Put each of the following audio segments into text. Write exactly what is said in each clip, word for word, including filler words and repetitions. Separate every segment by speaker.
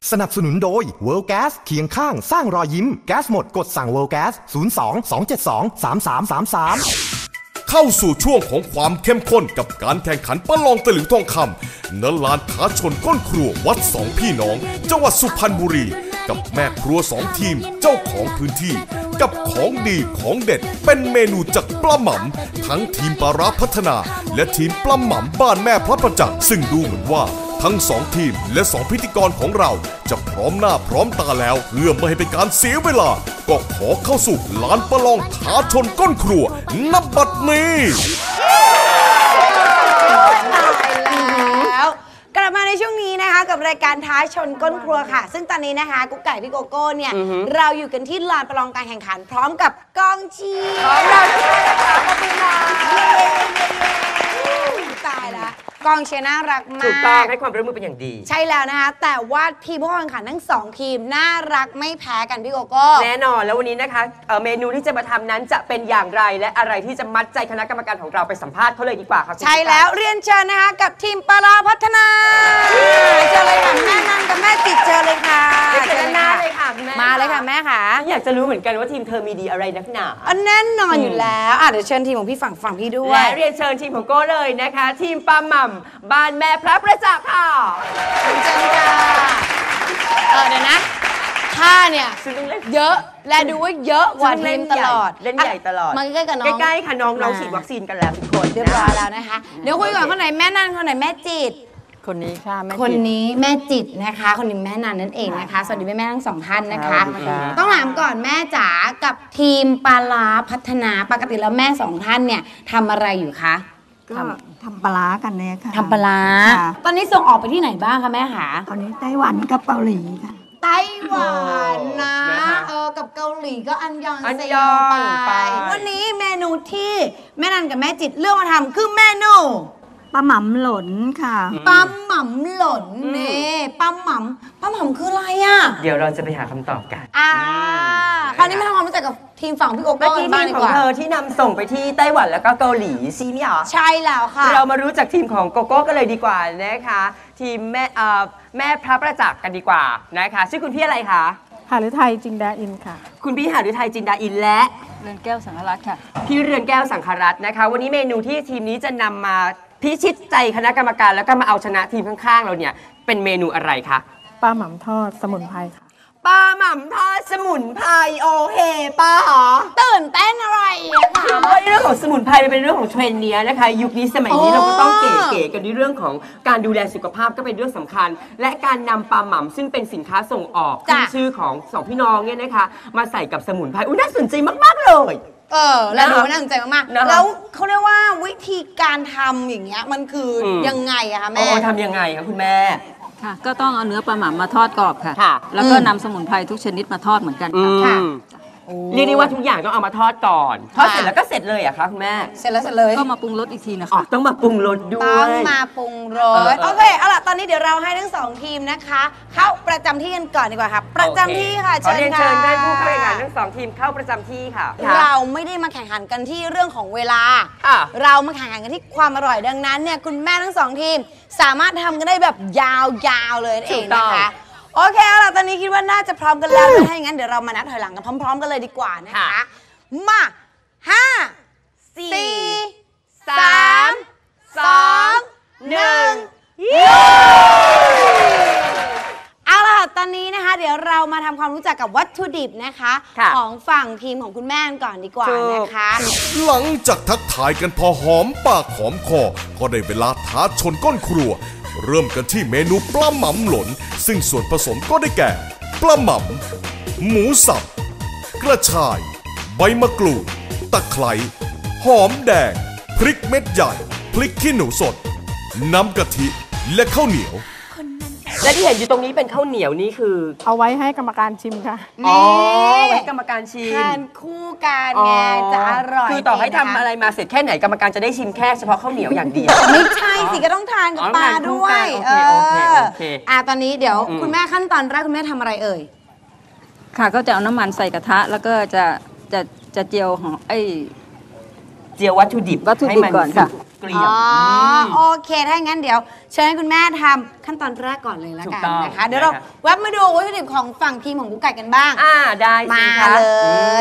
Speaker 1: สนับสนุนโดย World Gas เคียงข้างสร้างรอยยิ้มแก๊สหมดกดสั่ง World Gas ศูนย์ สอง สอง เจ็ด สอง สาม สาม สาม สาม
Speaker 2: เข้าสู่ช่วงของความเข้มข้นกับการแข่งขันประลองตะหลิวทองคำณลานท้าชนก้นครัววัดสองพี่น้องจังหวัดสุพรรณบุรีกับแม่ครัวสองทีมเจ้าของพื้นที่กับของดีของเด็ดเป็นเมนูจากปลาหม่ำทั้งทีมปลาร้าพัฒนาและทีมปลาหม่ำบ้านแม่พระประจักษ์ซึ่งดูเหมือนว่าทั้งสองทีมและสองพิธีกรของเราจะพร้อมหน้าพร้อมตาแล้วเพื่อไม่ให้เป็นการเสียเวลาก็ขอเข้าสู่ลานประลองท้าชนก้นครัวณ บัดนี้
Speaker 3: แล้วกลับมาในช่วงนี้นะคะกับรายการท้าชนก้นครัวค่ะซึ่งตอนนี้นะคะกุ๊กไก่พี่โกโก้เนี่ยเราอยู่กันที่ลานประลองการแข่งขันพร้อมกับกองเชียร์ของเราตายแล้วกองเชียร์น่ารักมาก
Speaker 4: ถูกต้องให้ความร่วมมือเป็นอย่างดี
Speaker 3: ใช่แล้วนะคะแต่ว่าทีมผู้แข่งขันทั้งสองทีมน่ารักไม่แพ้กันพี่โกโก้
Speaker 4: แน่นอนแล้ววันนี้นะคะเมนูที่จะมาทำนั้นจะเป็นอย่างไรและอะไรที่จะมัดใจคณะกรรมการของเราไปสัมภาษณ์เขาเลยดีกว่าครับ
Speaker 3: ใช่แล้วเรียนเชิญนะคะกับทีมปลาร้าพัฒนาเจอเลยค่ะแม่นั่งกับแม่จิตเจอเลยค่ะ
Speaker 4: เจอหน้าเลยค่ะแม่
Speaker 3: มาเลยค่ะแม่ค่ะ
Speaker 4: อยากจะรู้เหมือนกันว่าทีมเธอมีดีอะไรนักหนา
Speaker 3: แน่นอนอยู่แล้วเดี๋ยวเชิญทีมของพี่ฝั่งฝั่งพี่ด้วย
Speaker 4: และเรียนเชิญทีมของโก้เลยนะคะทีมปลาหม่ำบ้านแม่พระประจักษ์ค่ะ
Speaker 3: เชิญค่ะเออเดี๋ยวนะท่าเนี่ยเยอะและดูว่าเยอะกว่าทีมตลอด
Speaker 4: เล่นใหญ่ตลอด
Speaker 3: มาใกล้ๆกับน้อง
Speaker 4: ใกล้ๆค่ะน้องน้องฉีดวัคซีนกันแล้วทุกคน
Speaker 3: เรียบร้อยแล้วนะคะเดี๋ยวคุยก่อนคนไหนแม่นันคนไหนแม่จิต
Speaker 5: คนนี้ค่ะแม่จิต
Speaker 3: คนนี้แม่จิตนะคะคนนี้แม่นันนั่นเองนะคะสวัสดีแม่แม่ทั้งสองท่านนะคะต้องถามก่อนแม่จ๋ากับทีมปลาร้าพัฒนาปกติแล้วแม่สองท่านเนี่ยทำอะไรอยู่คะ
Speaker 5: ก็ทำปลากันเนี่ยค่ะ
Speaker 3: ทำปลาตอนนี้ส่งออกไปที่ไหนบ้างคะแม่คะ
Speaker 5: ตอนนี้ไต้หวันกับเกาหลีค่ะ
Speaker 3: ไต้หวันนะเออกับเกาหลีก็อันยองเซโยไปวันนี้เมนูที่แม่นันกับแม่จิตเลือกมาทำคือเมนู
Speaker 5: ปลาหม่ำหล่นค่ะ
Speaker 3: ปลาหม่ำหล่นนี่ปลาหม่ำปลาหม่ำคืออะไรอ่ะ
Speaker 4: เดี๋ยวเราจะไปหาคำตอบกัน
Speaker 3: อ่าคราวนี้มาทำความรู้จักกับทีมฝั่งพี่โกโก้
Speaker 4: บ้างดีกว่าทีมของเธอที่นำส่งไปที่ไต้หวันแล้วก็เกาหลีซีมี่หรอ
Speaker 3: ใช่แล้วค่ะ
Speaker 4: เรามารู้จักทีมของโกโก้กันเลยดีกว่านะคะทีมแม่แม่พระประจักษ์กันดีกว่านะคะชื่อคุณพี่อะไรคะ
Speaker 5: หฤทัยจินดาอินค่ะ
Speaker 4: คุณพี่หฤทัยจินดาอินและ
Speaker 5: เรือนแก้วสังฆรัตน์ค่ะ
Speaker 4: พี่เรือนแก้วสังฆรัตน์นะคะวันนี้เมนูที่ทีมนี้จะนำมาพิชิตใจคณะกรรมการแล้วก็มาเอาชนะทีมข้างๆเราเนี่ยเป็นเมนูอะไรคะ
Speaker 5: ปลาหม่ำทอดสมุนไพรค่ะ
Speaker 4: ปลาหม่ำทอดสมุนไพรโอเคป้าหรอ
Speaker 3: ตื่นเต้นอะไรอะคะ
Speaker 4: คือว่าเรื่องของสมุนไพรเป็นเรื่องของเทรนด์นี้นะคะยุคนี้สมัยนี้เราก็ต้องเก๋ๆกันในเรื่องของการดูแลสุขภาพก็เป็นเรื่องสำคัญและการนำปลาหม่ำซึ่งเป็นสินค้าส่งออกขึ้นชื่อของสองพี่น้องเนี่ยนะคะมาใส่กับสมุนไพรอุ้ยน่าสนใจมากๆเลย
Speaker 3: เออแล้วดูน่าสนใจมากๆแล้วเขาเรียกว่าวิธีการทำอย่างเงี้ยมันคือยังไงอะคะแม่
Speaker 4: อ๋อทำยังไงคะคุณแม่
Speaker 5: ค่ะก็ต้องเอาเนื้อปลาหม่ำมาทอดกรอบค่ะแล้วก็นำสมุนไพรทุกชนิดมาทอดเหมือนกันค่ะ
Speaker 4: เรียกได้ว่าทุกอย่างต้องเอามาทอดก่อนทอดเสร็จแล้วก็เสร็จเลยอะคะคุณแม่
Speaker 3: เสร็จแล้วเสร็จเลย
Speaker 5: ก็มาปรุงรสอีกทีนะคะ
Speaker 4: ต้องมาปรุงรสด้วย
Speaker 3: ต้องมาปรุงรสโอเคเอาล่ะตอนนี้เดี๋ยวเราให้ทั้งสองทีมนะคะเข้าประจำที่กันก่อนดีกว่าค่ะประจำที่ค่ะ
Speaker 4: เชิญค่ะเชิญได้ผู้เข้าแข่งขันทั้งสองทีมเข้าประจำที่ค่ะ
Speaker 3: เราไม่ได้มาแข่งขันกันที่เรื่องของเวลาเรามาแข่งขันกันที่ความอร่อยดังนั้นเนี่ยคุณแม่ทั้งสองทีมสามารถทำกันได้แบบยาวๆเลยเองนะคะโอเคเอาล่ะตอนนี้คิดว่าน่าจะพร้อมกันแล้วถ้าอย่างนั้นเดี๋ยวเรามานับถอยหลังกันพร้อมๆกันเลยดีกว่านะคะมาห้าสี่สามสองหนึ่งเอาล่ะตอนนี้นะคะเดี๋ยวเรามาทำความรู้จักกับวัตถุดิบนะคะของฝั่งทีมของคุณแม่ก่อนดีกว่านะคะ
Speaker 2: หลังจากทักทายกันพอหอมปากหอมคอก็ได้เวลาท้าชนก้นครัวเริ่มกันที่เมนูปลาหม่ำหล่นซึ่งส่วนผสมก็ได้แก่ปลาหม่ำหมูสับกระชายใบมะกรูดตะไคร้หอมแดงพริกเม็ดใหญ่พริกขี้หนูสดน้ำกะทิและข้าวเหนียว
Speaker 4: และที่เห็นอยู่ตรงนี้เป็นข้าวเหนียวนี่คือ
Speaker 5: เอาไว้ให้กรรมการชิมค่ะ
Speaker 4: อ๋อไว้กรรมการชิม
Speaker 3: ทานคู่กันไงจะอร่อย
Speaker 4: คือต่อให้ทำอะไรมาเสร็จแค่ไหนกรรมการจะได้ชิมแค่เฉพาะข้าวเหนียวอย่างเดียว
Speaker 3: ไม่ใช่สิก็ต้องทานกับปลาด้วย
Speaker 4: โอเคโอเคโอเค
Speaker 3: อ่ะตอนนี้เดี๋ยวคุณแม่ขั้นตอนแรกคุณแม่ทำอะไรเอ่ย
Speaker 5: ค่ะก็จะเอาน้ำมันใส่กระทะแล้วก็จะจะจะเจียวหอมไอ้
Speaker 4: เจียววัตถุดิบ
Speaker 5: วัตถุดิบ
Speaker 4: ให้มั
Speaker 5: ก่อนค่ะ
Speaker 4: เกลี่ย
Speaker 3: อ๋อ
Speaker 4: ม
Speaker 3: โอเคถ้าอย่างนั้นเดี๋ยวเชิญให้คุณแม่ทำขั้นตอนแรกก่อนเลยละ
Speaker 4: ถู
Speaker 3: กั
Speaker 4: ก
Speaker 3: น
Speaker 4: ต้อง
Speaker 3: นะคะ เดี๋ยวเรา
Speaker 4: นะคะ
Speaker 3: แวบมาดูวัตถุดิบของฝั่งทีมของกุ๊กไก่กันบ้าง
Speaker 4: อ่าได้สิ
Speaker 3: มา
Speaker 4: คะ
Speaker 3: เลย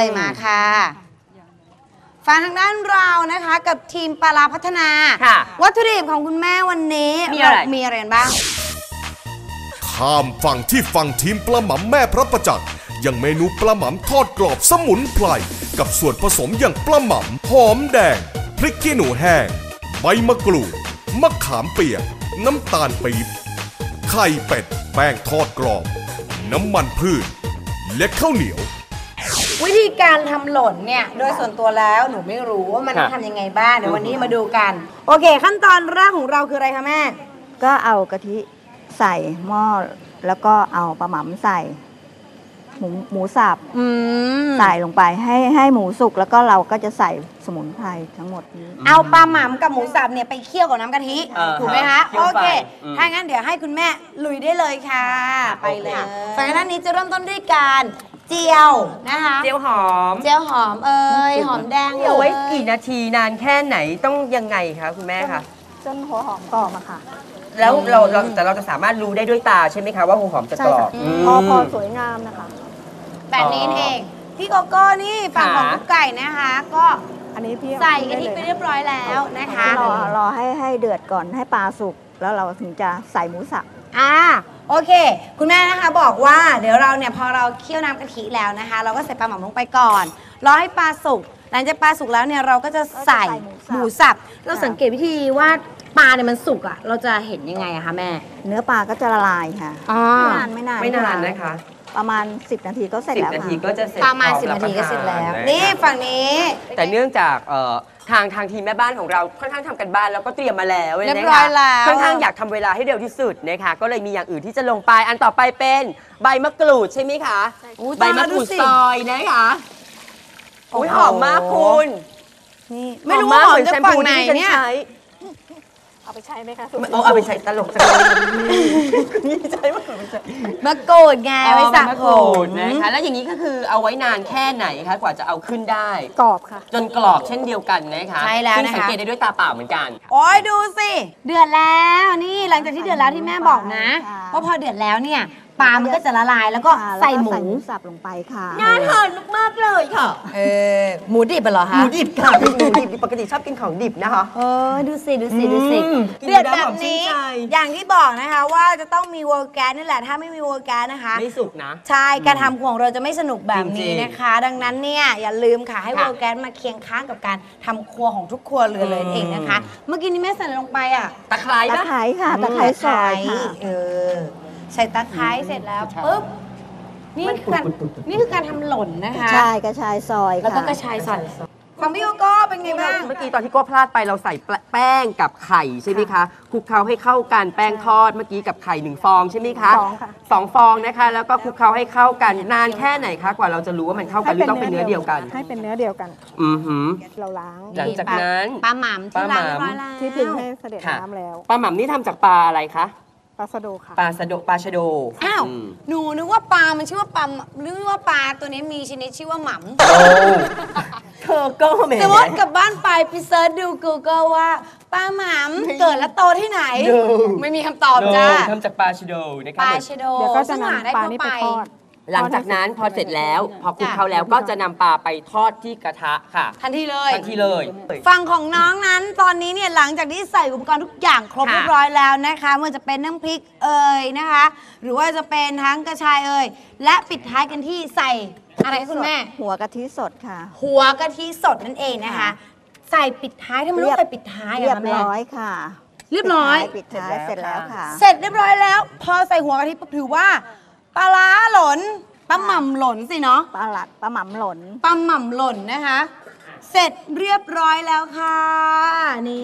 Speaker 4: อื
Speaker 3: มาค่ะฟังทางด้านเรานะคะกับทีมปลาร้าพัฒนา
Speaker 4: ค่ะ
Speaker 3: วัตถุดิบของคุณแม่วันนี้
Speaker 4: มีอะไร
Speaker 3: เามีอะไรกันบ้าง
Speaker 2: ข้ามฝั่งที่ฝั่งทีมปลาหม่ำแม่พระประจักษ์ยังเมนูปลาหม่ำทอดกรอบสมุนไพรกับส่วนผสมอย่างปลาหม่ำหอมแดงพริกขี้หนูแห้งใบมะกรูดมะขามเปียกน้ำตาลปี๊บไข่เป็ดแป้งทอดกรอบ น้ำมันพืช และข้าวเหนียว
Speaker 3: วิธีการทำหล่นเนี่ยโดยส่วนตัวแล้วหนูไม่รู้ว่ามัน
Speaker 4: ค่ะ
Speaker 3: ทำยังไงบ้างเดี๋ยววันนี้มาดูกัน โอเค ขั้นตอนแรกของเราคืออะไรคะแม่
Speaker 6: ก็เอากะทิใส่หม้อแล้วก็เอาปลาหม่ำใส่ หมูหมูสับ
Speaker 3: อืม
Speaker 6: ใส่ลงไปให้ให้หมูสุกแล้วก็เราก็จะใส่สมุนไพรทั้งหมดนี้
Speaker 3: เอาปลาหม่ำกับหมูสับเนี่ยไปเคี่ยวกับน้ำกะทิ
Speaker 4: อ่า
Speaker 3: ถูกไหมคะ
Speaker 4: เคี่ยว
Speaker 3: โอ
Speaker 4: ไป
Speaker 3: เค
Speaker 4: อืม
Speaker 3: ถ้างั้นเดี๋ยวให้คุณแม่ลุยได้เลยค่ะ ไปเลยฝั่งด้านนี้จะเริ่มต้นด้วยการเจียวนะคะ
Speaker 4: เจียวหอม
Speaker 3: เจียวหอมเอ่ยหอมแดง
Speaker 4: เอาไว้
Speaker 3: ลย
Speaker 4: กี่นาทีนานแค่ไหนต้องยังไงคะคุณแม่คะ
Speaker 6: จนหัวหอมกรอบอะค่ะ
Speaker 4: แล้วเราเราแต่เราจะสามารถรู้ได้ด้วยตาใช่ไหมคะว่าหัวหอมจะ
Speaker 6: ใช่
Speaker 4: กรอ
Speaker 6: ค่ะ
Speaker 4: บม
Speaker 6: พอพอสวยงามนะคะ
Speaker 3: แบบนี้เองพี่โกโก้นี่ฝั่งของ
Speaker 4: ค่ะ
Speaker 3: กุ๊กไก่นะคะ ก็
Speaker 6: อันนี้พี่
Speaker 3: ใส่กะทิไปเรียบร้อยแล้วนะคะ
Speaker 6: รอรอให้ให้เดือดก่อนให้ปลาสุกแล้วเราถึงจะใส่หมูสับ
Speaker 3: อ่าโอเค คุณแม่นะคะบอกว่าเดี๋ยวเราเนี่ยพอเราเคี่ยวน้ำกะทิแล้วนะคะ เราก็ใส่ปลาหม่ำลงไปก่อนรอให้ปลาสุกหลังจากปลาสุกแล้วเนี่ยเราก็จะใส่
Speaker 6: ก็จะใส่ห
Speaker 3: ห
Speaker 6: มู
Speaker 3: มู
Speaker 6: สั
Speaker 3: สั
Speaker 6: บ
Speaker 3: บเราสังเกตวิธีว่าปลาเนี่ยมันสุกอะเราจะเห็นยังไงอะคะแม่
Speaker 6: เนื้อปลาก็จะละลายค่ะ
Speaker 3: อ๋อ
Speaker 6: ไม่นานไม่นาน
Speaker 4: ไม่นานนะคะ
Speaker 6: ประมาณ สิบ นาทีก็เสร็จ
Speaker 4: สิบ
Speaker 6: แล้ว
Speaker 4: นาที
Speaker 6: ค่ะ
Speaker 4: ก็จะเสร็จ
Speaker 3: ประมาณ
Speaker 4: พอ
Speaker 3: สิบนาทีก็เสร็จแล้ว
Speaker 4: บประทา
Speaker 3: นี่ฝั่งนี้
Speaker 4: แต่เนื่องจากเอ่อทางทางทีมแม่บ้านของเราค่อนข้างทำกันบ้านแล้วก็เตรียมมาแล้ว
Speaker 3: เรียบ
Speaker 4: นะคะ
Speaker 3: ร้อยแล้ว
Speaker 4: ค่อนข้างอยากทำเวลาให้เร็วที่สุดนะคะก็เลยมีอย่างอื่นที่จะลงไปอันต่อไปเป็นใบมะกรูดใช่ไหมคะ
Speaker 3: อุ๊ย
Speaker 4: ใบมะกรูด
Speaker 3: ตายแล้วดูสิ
Speaker 4: ซอยนะคะอุ้ย
Speaker 3: โอ้โห
Speaker 4: หอมมากคุณ
Speaker 3: นี่ไม่รู้ว่าหอมจากฝั่งไหนเนี่ย
Speaker 6: เอาไปใช้ไหมคะ
Speaker 4: เอาเอาไปใช้ตลกจังเลยนี่ใช้มะกรูดไม่ใช่
Speaker 3: มะกรูดไงไว้สระ
Speaker 4: มะ
Speaker 3: ผ
Speaker 4: กรูด
Speaker 3: ม
Speaker 4: นะคะแล้วอย่างนี้ก็คือเอาไว้นานแค่ไหนคะกว่าจะเอาขึ้นได้
Speaker 6: กรอบค่ะ
Speaker 4: จนกรอบเช่นเดียวกันนะคะ
Speaker 3: ใช่แล้ว
Speaker 4: ซึ่ง
Speaker 3: นะคะ
Speaker 4: สังเกตได้ด้วยตาเปล่าเหมือนกัน
Speaker 3: โอ้ยดูสิ เดือดแล้วนี่หลังจากที่เดือดแล้วที่แม่บอกนะ
Speaker 6: ค่ะ
Speaker 3: ว่าพอเดือดแล้วเนี่ยปลามันก็จะละลายแล้วก็
Speaker 6: ค่ะแล้ว
Speaker 3: ใส่หมู
Speaker 6: ใส่หมูสับลงไปค่ะ
Speaker 4: งานหอนมากๆเลยค่ะ
Speaker 3: เออหมูดิบเหรอ
Speaker 4: ห
Speaker 3: คะ
Speaker 4: มูดิบค่ะหมูดิบปกติชอบกินของดิบนะคะ
Speaker 3: เออดูสิดูสิดูสิ
Speaker 4: อืม
Speaker 3: เดือดแบบนี้
Speaker 4: กินแล้วหอมชื่นใจ
Speaker 3: อย่างที่บอกนะคะว่าจะต้องมีเวอร์แกนนี่แหละถ้าไม่มีเวอร์แกนนะคะ
Speaker 4: ไม่สุกนะ
Speaker 3: ใช่การทำของเราจะไม่สนุกแบบนี้
Speaker 4: จริงๆ
Speaker 3: นะคะ ดังนั้นเนี่ยอย่าลืมค่ะให้
Speaker 4: ค่ะ
Speaker 3: เวอร์แกนมาเคียงข้างกับการทำครัวของทุกครัวเรือนเลย
Speaker 4: อืม
Speaker 3: เองนะคะ เมื่อกี้นี้แม่ใส่อะไรลงไปอ่ะ
Speaker 4: ตะไคร้
Speaker 6: ตะ
Speaker 4: ปะ
Speaker 6: ไคร้ค่ะ ตะไคร้ซอยค่ะ
Speaker 3: เออใส่ตะไคร้เสร็จแล้วปุ๊บนี่คือการนี่คือการทำหล่นนะคะ
Speaker 6: ใช่กระชายซอยค่ะ
Speaker 3: แล้วก็กระชายซอยของพี่โกโก้เป็นไงบ้าง
Speaker 4: เมื่อกี้ตอนที่โก้พลาดไปเราใส่แป้งกับไข่ใช่ไหมคะคลุกเคล้าให้เข้ากันแป้งทอดเมื่อกี้กับไข่หนึ่งฟองใช่ไหมคะ
Speaker 6: สองค่ะ
Speaker 4: สองฟองนะคะ แล้วก็คลุกเคล้าให้เข้ากันนานแค่ไหนคะกว่าเราจะรู้ว่ามันเข้ากันหรือต้องเป็นเนื้อเดียวกัน
Speaker 7: ให้เป็นเนื้อเดียวกัน
Speaker 4: อือหือ
Speaker 7: เราล้าง
Speaker 4: หลังจากนั้น
Speaker 3: ปลาหม่ำที่ล้างเรียบร้อยแล้ว
Speaker 7: ที่พิมพ์ให้เสด็จ
Speaker 4: ค่ะ
Speaker 7: น้ำแล้ว
Speaker 4: ปลาหม่ำนี่ทำจากปลาอะไรคะ
Speaker 7: ปลาสะโดค่ะ
Speaker 4: ปลาสะโดปลาชะโด
Speaker 3: อ้าว
Speaker 4: ม
Speaker 3: หนูนึกว่าปลา มันชื่อว่าปลานึกว่าปลาตัวนี้มีชนิดชื่อว่าหม่ำ
Speaker 4: โอ้เธอก็แหม
Speaker 3: แต่ว่ากลับบ้านไปไปเซิร์ชดู Google ว่าปลาหม่ำเกิดและโตที่ไหน ไม่มีคำตอบจ้า
Speaker 4: ทำจากปลาชะโดนะคะ
Speaker 3: ปลาชะโด
Speaker 7: เดี๋ยวก็จะ
Speaker 3: ซึ่งห
Speaker 7: นำ
Speaker 3: ได้
Speaker 7: ปลา
Speaker 3: ทั่ว
Speaker 7: นี้ไปทอด
Speaker 4: หลังจากนั้นพอเสร็จแล้ว พอคลุกเคล้าแล้วก็จะนำปลาไปทอดที่กระทะค่ะ
Speaker 3: ทันทีเลย
Speaker 4: ทันทีเลย
Speaker 3: ฝั่งของน้องนั้นตอนนี้เนี่ยหลังจากที่ใส่อุปกรณ์ทุกอย่างครบ
Speaker 4: ค่ะ
Speaker 3: เรียบร้อยแล้วนะคะไม่ว่าจะเป็นน้ำพริกเอ่ยนะคะ หรือว่าจะเป็นทั้งกระชายเอ่ยและปิดท้ายกันที่ใส่อะไรคะคุณแม่
Speaker 6: หัวกะทิสดค่ะ
Speaker 3: หัวกะทิสดนั่นเองนะคะ ใส่ปิดท้ายทำไมต้องใส่ปิดท้าย
Speaker 6: เรีย
Speaker 3: อะ
Speaker 6: บ
Speaker 3: คะแม่
Speaker 6: ร้อยค่ะ
Speaker 3: เรียบร้อย
Speaker 6: ปิดท้ายเสร็จแล้วค่ะ
Speaker 3: เสร็จเรียบร้อยแล้ว พอใส่หัวกะทิปุ๊บถือว่าปลาร้าหล่นปลาหม่ำหล่นสิเนาะ
Speaker 6: ปลาหลัดปลาหม่ำหล่น
Speaker 3: ปลาหม่ำหล่นนะคะ เสร็จเรียบร้อยแล้วค่ะนี่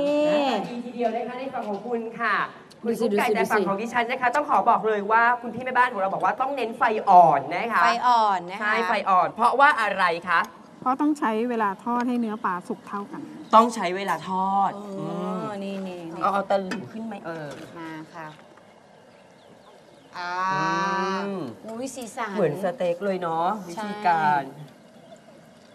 Speaker 4: ดีทีเดียวนะคะในฝั่งของคุณค่ะคุณ
Speaker 3: ดูสิ
Speaker 4: กุ๊กไก่
Speaker 3: ดูสิ
Speaker 4: แต่ฝั่ง
Speaker 3: ดูสิ
Speaker 4: ของดิฉันนะคะ ต้องขอบอกเลยว่าคุณพี่แม่บ้านของเราบอกว่าต้องเน้นไฟอ่อนนะคะ
Speaker 3: ไฟอ่อนนะคะ
Speaker 4: ใช่ไฟอ่อน เพราะว่าอะไรคะ
Speaker 7: เพราะต้องใช้เวลาทอดให้เนื้อปลาสุกเท่ากัน
Speaker 4: ต้องใช้เวลาทอด
Speaker 3: อ๋อนี่นี่นี่
Speaker 4: เอาเอาตะหลิวขึ้นไหมเออ
Speaker 3: มาค่ะอ่า
Speaker 4: อืม
Speaker 3: อุ้ยสีสัน
Speaker 4: เหมือนสเต็กเลยเนาะวิ
Speaker 3: ใช่
Speaker 4: ธีการ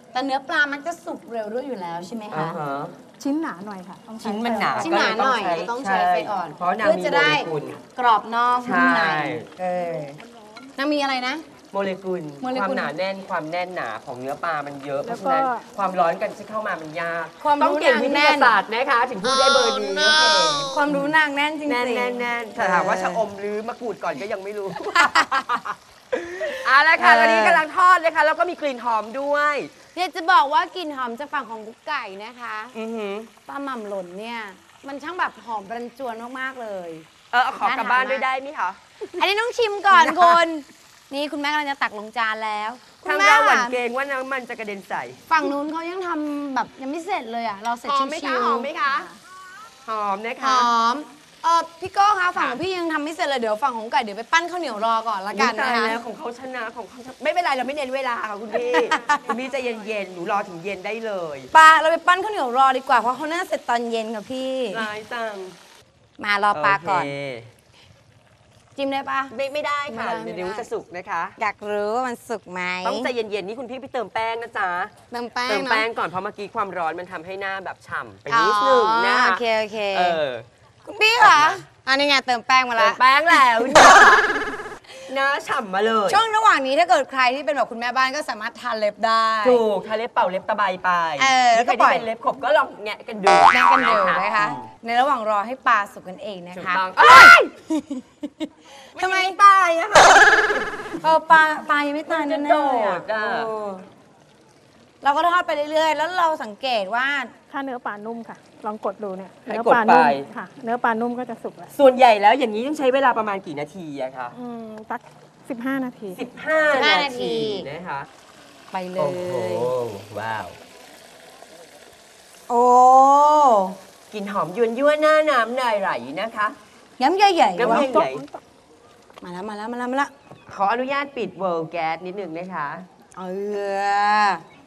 Speaker 3: แต่เนื้อปลามันจะสุกเร็วด้วยอยู่แล้วใช่ไหม
Speaker 4: อ่า
Speaker 3: คะ
Speaker 4: ฮะ
Speaker 7: ชิ้นหนาหน่อยค่ะต้องใช้
Speaker 4: ชิ้นมันหนา
Speaker 3: ชิ้นหนาหน่อย
Speaker 4: ก็เล
Speaker 3: ต้องใช้ไฟอ่อน
Speaker 4: เพราะนาง
Speaker 3: เพื่อ
Speaker 4: มี
Speaker 3: จะ
Speaker 4: โม
Speaker 3: ได้
Speaker 4: เลกุล
Speaker 3: กรอบนอกนุ่มใน
Speaker 4: ใช่
Speaker 3: เออนางมีอะไรนะ
Speaker 4: โมเลกุล
Speaker 3: โมเล
Speaker 4: ความ
Speaker 3: กุล
Speaker 4: หนาแน่นความแน่นหนาของเนื้อปลามันเยอะเพ
Speaker 7: แล้ว
Speaker 4: ราะ
Speaker 7: ก็
Speaker 4: ฉะนั้นความร้อนกันที่เข้ามามันยาก
Speaker 3: ความ
Speaker 4: ต้อง
Speaker 3: รู้
Speaker 4: เก่ง
Speaker 3: นาง
Speaker 4: วิท
Speaker 3: แน่
Speaker 4: ยาน ศาสตร์นะคะ ถึงพูดได้เบอร์นี้
Speaker 3: ความรู้นางแน่นจริงๆ
Speaker 4: แน่นแน่นแน่นแต่ถามว่าชะอมหรือมะกรูดก่อนก็ยังไม่รู้ เอาละค่ะ
Speaker 3: เออ
Speaker 4: ตอนนี้กำลังทอดเลยค่ะแล้วก็มีกลิ่นหอมด้วย
Speaker 3: เนี่ยจะบอกว่ากลิ่นหอมจากฝั่งของกุ๊กไก่นะคะ
Speaker 4: อือหือ
Speaker 3: ปลาหม่ำหล่นเนี่ย มันช่างแบบหอมรันจวนมากๆเลย
Speaker 4: เออเอาขอกลับบ้านด้วยได้ไหมคะ
Speaker 3: อันนี้ต้องชิมก่อนคุณนี่คุณแม่กำลังจะตักลงจานแล้วคุณ
Speaker 4: ทาง
Speaker 3: แม่
Speaker 4: เราหวั่นเกรงว่าน้ำมันจะกระเด็นใส่
Speaker 3: ฝั่งนู้นเขายังทำแบบยังไม่เสร็จเลยอ่ะเราเสร็จ
Speaker 4: หอ
Speaker 3: ชิ
Speaker 4: มไหม
Speaker 3: ว
Speaker 4: คะหอมไหมคะหอมนะ
Speaker 3: ๆห
Speaker 4: คะ
Speaker 3: อมเออพี่โก้คะฝั่งข
Speaker 4: ค่ะ
Speaker 3: องพี่ยังทำไม่เสร็จเลยเดี๋ยวฝั่งของไก่เดี๋ยวไปปั้นข้าวเหนียวรอก่อนละกัน
Speaker 4: ตา
Speaker 3: นะ
Speaker 4: ย
Speaker 3: คะ
Speaker 4: แล้วของเขาชนะของเขาชนะไม่เป็นไรเราไม่เน้นเวลาค่ะคุณพี่ คุณพี่ใจะเย็นๆหนูรอถึงเย็นได้เลย
Speaker 3: ปลาเราไปปั้นข้าวเหนียวรอดีกว่าเพราะเขาน่าเสร็จตอนเย็นค่ะพี่
Speaker 4: ร้ายจัง
Speaker 3: มารอปลาก่อน
Speaker 4: โเค
Speaker 3: จิ้มได้ปะ
Speaker 4: ไม่ไม่ได้ค่ะ
Speaker 3: ไม่ได้ไม่ได้
Speaker 4: เดี๋ยวจะสุกนะคะ
Speaker 3: อยากรู้ว่ามันสุกไหม
Speaker 4: ต้องใจเย็นๆนี่คุณพี่ไปเติมแป้งนะจ๊ะ
Speaker 3: เติมแป้ง
Speaker 4: เติม
Speaker 3: เนาะ
Speaker 4: แป้งก่อนเพราะเมื่อกี้ความร้อนมันทำให้หน้าแบบฉ่ำไปนิดนึงนะ
Speaker 3: อ๋อโอเคโอเค
Speaker 4: เออ
Speaker 3: คุณพี่ค่ะอันนี้ไงเติมแป้งมา
Speaker 4: เติ
Speaker 3: แล้
Speaker 4: ม
Speaker 3: ว
Speaker 4: แป้งแล้วนะหน้าฉ่ำมาเลย
Speaker 3: ช่วงระหว่างนี้ถ้าเกิดใครที่เป็นแบบคุณแม่บ้านก็สามารถทาเล็บได้
Speaker 4: ถูกทาเล็บเป่าเล็บตะไบไป
Speaker 3: เออแล้วก็
Speaker 4: ใคร
Speaker 3: ปล่
Speaker 4: ที่
Speaker 3: อย
Speaker 4: เป็นเล็บขบก็ลองแงะกันดู
Speaker 3: แน่กันเดียวนะคะ ในระหว่างรอให้ปลาสุกกันเองนะ
Speaker 4: ถูก
Speaker 3: คะ
Speaker 4: ต้องเอ้ย
Speaker 3: ทำไม
Speaker 4: ตายอะค่ะ
Speaker 3: เออปลาปลายังไม่ตาย
Speaker 4: มันจะ
Speaker 3: แน่ๆเลยอะ
Speaker 4: โดดอะ
Speaker 3: เออเราก็ทอดไปเรื่อยๆ แล้วเราสังเกตว่า
Speaker 7: ถ้าเนื้อปลานุ่มค่ะ ลองกดดูเนี่ย
Speaker 4: ให้
Speaker 7: เนื้อก
Speaker 4: ด
Speaker 7: ปลานุ่ม
Speaker 4: ไป
Speaker 7: ค่ะ เนื้อปลานุ่มก็จะสุกแล้ว
Speaker 4: ส่วนใหญ่แล้วอย่างนี้ต้องใช้เวลาประมาณกี่นาทีอะคะ
Speaker 7: อืมสักสิบห้านาที
Speaker 4: สิบห้า
Speaker 3: สิบห้า
Speaker 4: นา
Speaker 3: นาที
Speaker 4: ทีนะคะ
Speaker 3: ไปเล
Speaker 4: โอ้โห
Speaker 3: ย
Speaker 4: ว้าว
Speaker 3: โอ้
Speaker 4: กลิ่นหอมยวนยั่วหน้าน้ำนายไหลนะคะ
Speaker 3: ย้ำใหญ่ๆ
Speaker 4: น้ำ
Speaker 3: วะ
Speaker 4: ใหญ่
Speaker 3: มาแล้วมาแล้วมาแล้วมาแล้ว
Speaker 4: ขออนุญาตปิดเวิร์แก๊สนิดนึงนะคะ
Speaker 3: เออ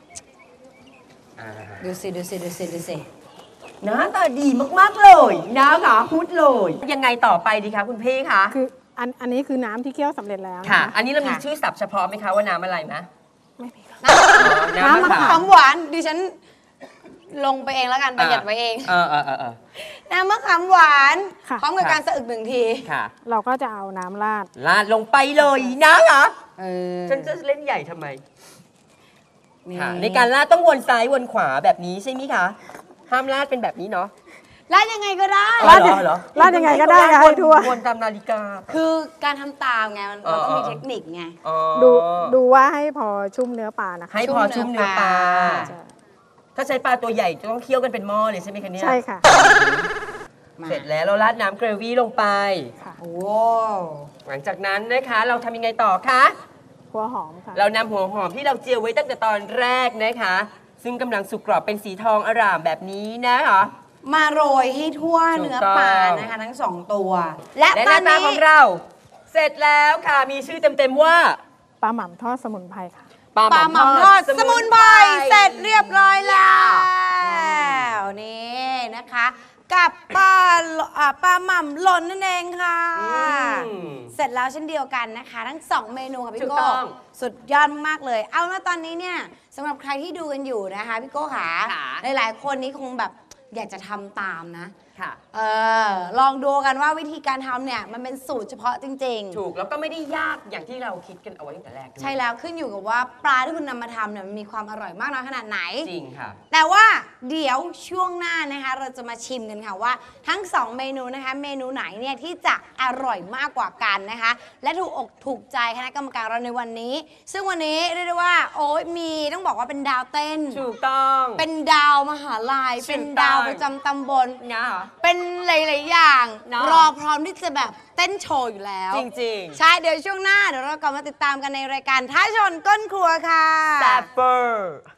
Speaker 3: ดูสิดูสิดูสิดูสิ
Speaker 4: หน้าตาดีมาก ๆ เลยนะคะพูดเลย ยังไงต่อไปดีคะคุณพี่คะ
Speaker 7: คืออันอันนี้คือน้ำที่เคี่ยวสำเร็จแล้ว
Speaker 4: ค่ะ
Speaker 7: นะคะ
Speaker 4: อันนี้เรามีชื่อศัพท์เฉพาะไหมคะว่าน้ำอะไรมะ
Speaker 7: ไม่มีค่ะ
Speaker 3: น้ำมะขามหวานดิฉันลงไปเองแล้วกันประหยัดไว้เอง
Speaker 4: เออเออเออเออ
Speaker 3: น้ำมะขามหวาน
Speaker 7: ค่ะ
Speaker 3: พร้อมกับ
Speaker 4: ค่ะ
Speaker 3: การสะอึกหนึ่งที
Speaker 4: ค่ะ
Speaker 7: เราก็จะเอาน้ำราด
Speaker 4: ลาดลงไปเลยนะคะ
Speaker 3: เออ
Speaker 4: ฉันจะเล่นใหญ่ทำไม
Speaker 3: นี่
Speaker 4: ค่ะ ในการลาดต้องวนซ้ายวนขวาแบบนี้ใช่ไหมคะ ห้ามลาดเป็นแบบนี้เนาะ
Speaker 3: ลาดยังไงก็ได้
Speaker 4: อ๋อเหรอเหรอ
Speaker 7: ราดยังไงก็ได้ค่ะ
Speaker 4: ว
Speaker 7: ให้
Speaker 4: น
Speaker 7: ทั่ว
Speaker 4: วนตามนาฬิกา
Speaker 3: คือการทำตามไงมัน
Speaker 4: อ๋อ
Speaker 3: มันต้องมีเทคนิคไง
Speaker 4: อ๋อ
Speaker 7: ดูดูว่าให้พอชุ่มเนื้อปลานะคะ
Speaker 4: ให้พอชุ่มเนื้อปลา
Speaker 7: จะ
Speaker 4: ถ้าใช้ปลาตัวใหญ่จะต้องเคี่ยวกันเป็นหม้อเลยใช่ไหมคะเนี่ย
Speaker 7: ใช่ค่ะ
Speaker 3: มา
Speaker 4: เสร็จแล้วเราราดน้ำเกรวี่ลงไป
Speaker 7: ค่ะ
Speaker 3: โอ้
Speaker 4: หลังจากนั้นนะคะเราทำยังไงต่อคะ
Speaker 7: หัวหอมค่ะ
Speaker 4: เรานำหัวหอมที่เราเจียวไว้ตั้งแต่ตอนแรกนะคะ ซึ่งกำลังสุกกรอบเป็นสีทองอร่ามแบบนี้นะคะ
Speaker 3: มาโรยให้ทั่ว
Speaker 4: ถูก
Speaker 3: เนื้อ
Speaker 4: ต้อง
Speaker 3: ปลานะคะทั้งสองตัว และ
Speaker 4: และ
Speaker 3: ต
Speaker 4: ห
Speaker 3: อ
Speaker 4: น้าน ตา
Speaker 3: นี้
Speaker 4: ของเรา เสร็จแล้วค่ะมีชื่อเต็มๆว่า
Speaker 7: ปลาหม่ำทอดสมุนไพรค่ะ
Speaker 3: ปลาหม่ำทอดสมุนไพรเสร็จเรียบร้อยแล้วนี่นะคะ กับปลาอ่าปลาหม่ำหล่นนั่นเองค่ะ
Speaker 4: อืม
Speaker 3: เสร็จแล้วเช่นเดียวกันนะคะ ทั้งสองเมนูค่ะ
Speaker 4: ถู
Speaker 3: พี่
Speaker 4: ก
Speaker 3: โก้
Speaker 4: ต้อง
Speaker 3: สุดยอดมากเลย เอาแล้วตอนนี้เนี่ยสำหรับใครที่ดูกันอยู่นะคะพี่โก้ขา
Speaker 4: ค่ะ
Speaker 3: หลายๆคนนี้คงแบบอยากจะทำตามนะ
Speaker 4: ค่ะ
Speaker 3: เออลองดูกันว่าวิธีการทำเนี่ยมันเป็นสูตรเฉพาะจริง ๆ
Speaker 4: ถูกแล้วก็ไม่ได้ยากอย่างที่เราคิดกันเอาไว้ตั้งแต่แรกด้วย
Speaker 3: ใช่แล้วขึ้นอยู่กับว่าปลาที่คุณนำมาทำเนี่ยมันมีความอร่อยมากน้อยขนาดไหน
Speaker 4: จริงค่ะ
Speaker 3: แต่ว่าเดี๋ยวช่วงหน้านะคะ เราจะมาชิมกันค่ะว่าทั้งสองเมนูนะคะ เมนูไหนเนี่ยที่จะอร่อยมากกว่ากันนะคะ และถูกอกถูกใจคณะกรรมการเราในวันนี้ ซึ่งวันนี้เรียกได้ว่าโอ้ยมีต้องบอกว่าเป็นดาวเต้น
Speaker 4: ถูกต้อง
Speaker 3: เป็นดาวมหาลัย
Speaker 4: ถูกต้อง
Speaker 3: เป็นดาวประจำตำบล
Speaker 4: นะ
Speaker 3: เป็นหลายๆอย่าง
Speaker 4: เนอะ
Speaker 3: รอพร้อมที่จะแบบเต้นโชว์อยู่แล้ว
Speaker 4: จริง
Speaker 3: ใช่ เดี๋ยวช่วงหน้า เดี๋ยวเรากลับมาติดตามกันในรายการท้าชนก้นครัวค่ะ
Speaker 4: ๆแซบเบอร์